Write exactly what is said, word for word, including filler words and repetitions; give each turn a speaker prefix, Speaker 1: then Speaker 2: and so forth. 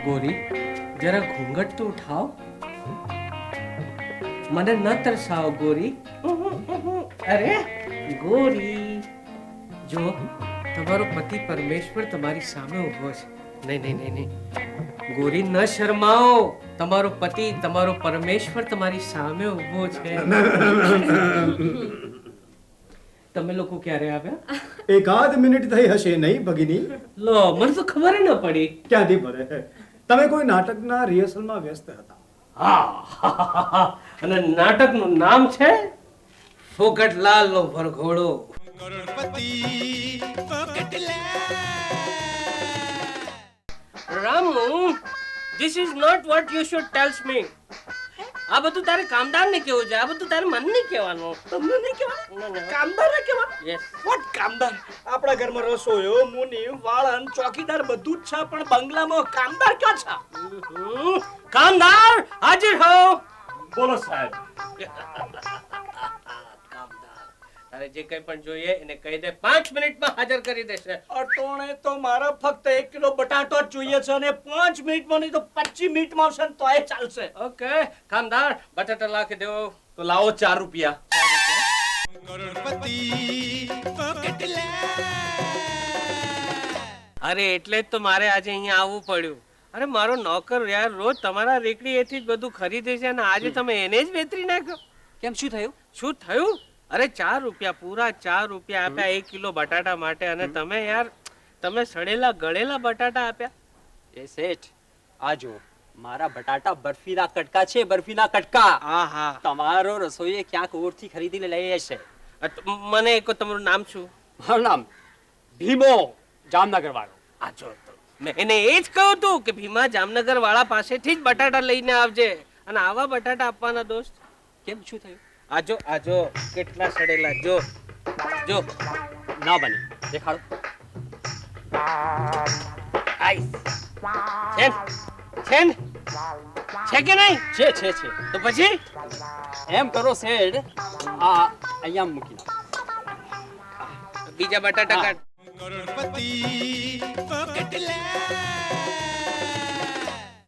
Speaker 1: गोरी जरा घूंघट तो उठाओ મને ન તરસાવો ગોરી અરે ગોરી જો તમારો પતિ પરમેશ્વર તમારી સામે ઊભો છે નહીં નહીં નહીં નહીં ગોરી ન શરમાઓ તમારો પતિ તમારો પરમેશ્વર તમારી સામે ઊભો છે તમે લોકો ક્યારે આવ્યા
Speaker 2: એકાદ મિનિટ થઈ હશે નહીં ભગીની
Speaker 1: લો મને તો ખબર ન પડી
Speaker 2: ક્યાંથી પડે તમે કોઈ નાટકના રિહર્સલમાં વ્યસ્ત હતા
Speaker 1: હા અને નાટકનું નામ છે ફોકટલાલ નો વરઘોડો
Speaker 3: કરોડપતિ
Speaker 1: Ramu this is not what you should tells me આ બધું તારે કામદાર ને કેવું છે આ બધું તારે મન નહીં કહેવાનું
Speaker 4: તમને નહીં કહેવાનું કામદાર ને કહેવાનું
Speaker 1: યસ
Speaker 4: વોટ કામદાર આપણા ઘરમાં રસોઈયો મુનિ વાળન ચોકીદાર બધું જ છે પણ બંગલામાં કામદાર ક્યાં છે
Speaker 1: કામદાર હાજર હો
Speaker 4: બોલો સાહેબ
Speaker 1: કામદાર તારે જે કંઈ પણ જોઈએ એને કહી દે પાંચ મિનિટમાં હાજર કરી દેશે
Speaker 4: અટોણે તો મારા ફક્ત એક કિલો બટાટો જ જોઈએ છે અને પાંચ મિનિટમાં નહીં તો પચીસ મિનિટમાં આવશે ને તોય ચાલશે
Speaker 1: ઓકે કામદાર બટાટા લાખી દેવો
Speaker 4: તો લાવો ચાર રૂપિયા
Speaker 3: કરોડપતિ
Speaker 1: અરે એટલે જ તો મારે આજે અહીંયા આવવું પડ્યું અરે મારો નોકર યાર રોજ તમારા રેકડી એથી જ બધું ખરીદે છે અને આજે તમે એને જ વેતરી નાખ્યો
Speaker 5: કેમ શું થયું
Speaker 1: શું થયું અરે ચાર રૂપિયા પૂરા ચાર રૂપિયા આપ્યા એક કિલો બટાટા માટે અને તમે યાર તમે સડેલા ગળેલા બટાટા આપ્યા
Speaker 5: એ શેઠ આ જો મારા બટાટા બરફીના કટકા છે બરફીના કટકા
Speaker 1: હા હા
Speaker 5: તમારો રસોઈએ ક્યાંક ઓરથી ખરીદીને લઈ હશે
Speaker 1: અ ત- મને એક તમારું નામ શું
Speaker 5: મારું નામ ભીમો જામનગર વાળો
Speaker 1: આ જો તો મેં એને એ જ કહ્યું હતું કે ભીમા જામનગર વાળા પાસેથી જ બટાટા લઈને આવજે અને આવા બટાટા આપવાના દોસ્ત
Speaker 5: કેમ શું થયું
Speaker 1: આજો આજો કેટલા સડેલા જો જો
Speaker 5: ના બને દેખાડો
Speaker 1: આઈસ છે ને? છે ને? છે કે નહીં
Speaker 5: છે છે છે
Speaker 1: તો પછી
Speaker 5: એમ કરો શેઠ આ અહીંયા મૂકી દો
Speaker 1: બીજા બટાટા કાઢ
Speaker 3: કરોડપતિ